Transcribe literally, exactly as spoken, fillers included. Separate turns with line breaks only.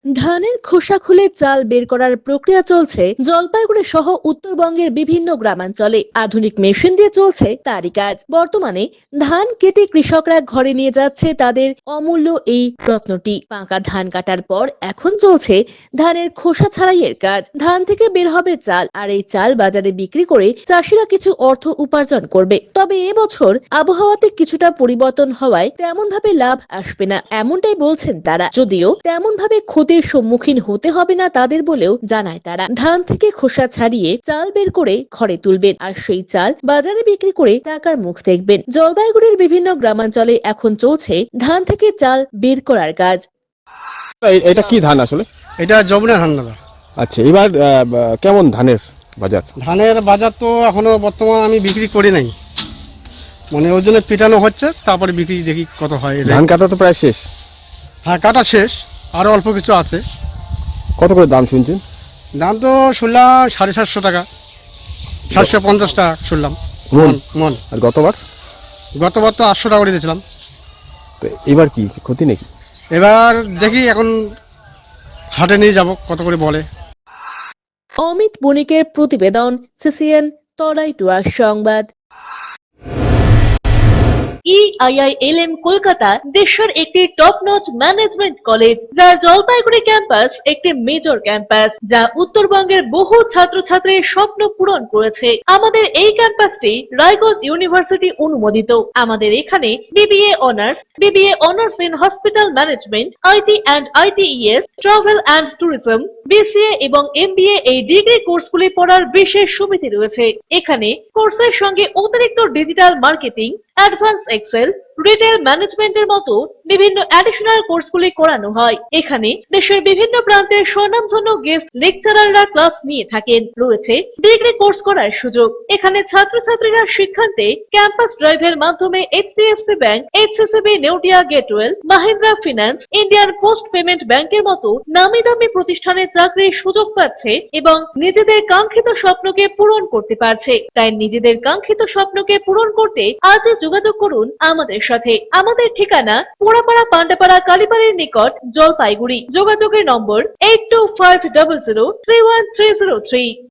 ধানের খোসা খুলে চাল বের করার প্রক্রিয়া চলছে জলপাইগুড়ি সহ উত্তরবঙ্গের বিভিন্ন গ্রামাঞ্চলে। আধুনিক মেশিন দিয়ে চলছে তারই কাজ। বর্তমানে ধান কেটে কৃষকরা ঘরে নিয়ে যাচ্ছে তাদের অমূল্য এই রত্নটি। পাকা ধান কাটার পর এখন চলছে ধানের খোসা ছাড়াইয়ের কাজ। ধান থেকে বের হবে চাল, আর এই চাল বাজারে বিক্রি করে চাষিরা কিছু অর্থ উপার্জন করবে। তবে এবছর আবহাওয়াতে কিছুটা পরিবর্তন হওয়ায় তেমন ভাবে লাভ আসবে না, এমনটাই বলছেন তারা। যদিও তেমন ভাবে ক্ষতির সম্মুখীন হতে হবে না তাদের বলেও জানায় তারা। ধান থেকে খোসা ছাড়িয়ে চাল বের করে ঘরে তুলবেন, আর সেই চাল বাজারে বিক্রি করে টাকার মুখ দেখবেন। জলপাইগুড়ির বিভিন্ন গ্রামাঞ্চলে এখন চলছে ধান থেকে চাল বের করার কাজ।
এ- এটা কি ধান আসলে?
এটা যমুনা ধান দাদা।
আচ্ছা, এবার আহ, বা- কেমন ধানের বাজার?
ধানের বাজার তো এখনো বর্তমান আমি বিক্রি করি নাই, মানে ওই জন্য পিটানো হচ্ছে, তারপরে বিক্রি দেখি কত হয়। এটা
ধান কাটা তো প্রায় শেষ।
হ্যাঁ, কাটা শেষ, আরো অল্প কিছু আছে।
কত করে দাম শুনছেন?
দাম তো শুনলাম সাড়ে সাতশো টাকা, সাতশো পঞ্চাশ টাকা শুনলাম
মন?
মন মন
আর গতবার?
গতবার তো আটশো টাকা করে দিয়েছিলাম।
তো এবার কি ক্ষতি নাকি?
এবার দেখি এখন হাটে নিয়ে যাব, কত করে বলে।
অমিত বণিকের প্রতিবেদন, সিসিএন তরাইটুয়া সংবাদ। ইআইআইএলএম কলকাতা দেশের একটি টপ নচ ম্যানেজমেন্ট কলেজ, যার জলপাইগুড়ি ক্যাম্পাস একটি মেজর ক্যাম্পাস, যা উত্তরবঙ্গের বহু ছাত্রছাত্রীর স্বপ্ন পূরণ করেছে। আমাদের এই ক্যাম্পাসটি রায়গঞ্জ ইউনিভার্সিটি অনুমোদিত। আমাদের এখানে BBA honours, BBA honours in hospital management, IT and ITES, travel and tourism, BCA এবং এমবিএ এই ডিগ্রি কোর্সগুলি পড়ার বিশেষ সুবিধা রয়েছে। এখানে কোর্সের সঙ্গে অতিরিক্ত digital marketing, advance excel, retail ম্যানেজমেন্টের মতো বিভিন্ন অ্যাডিশনাল কোর্সগুলি করানো হয়। এখানে দেশের বিভিন্ন প্রান্তের স্বনামধন্য গেস্ট লেকচারাররা ক্লাস নিয়ে থাকেন। রয়েছে ডিগ্রি কোর্স করার সুযোগ। এখানে ছাত্রছাত্রীরা শিক্ষান্তে ক্যাম্পাস ড্রাইভের মাধ্যমে HDFC bank, HCCB Neotia Getwell, Mahindra finance, Indian post payment ব্যাংকের মতো নামি দামি প্রতিষ্ঠানে চাকরির সুযোগ পাচ্ছে এবং নিজেদের কাঙ্ক্ষিত স্বপ্নকে পূরণ করতে পারছে। তাই নিজেদের কাঙ্ক্ষিত স্বপ্নকে পূরণ করতে আজই যোগাযোগ করুন আমাদের সাথে। আমাদের ঠিকানা পোড়াপাড়া পান্ডাপাড়া কালীবাড়ির নিকট, জলপাইগুড়ি। যোগাযোগের number eight two five zero zero three one three zero three.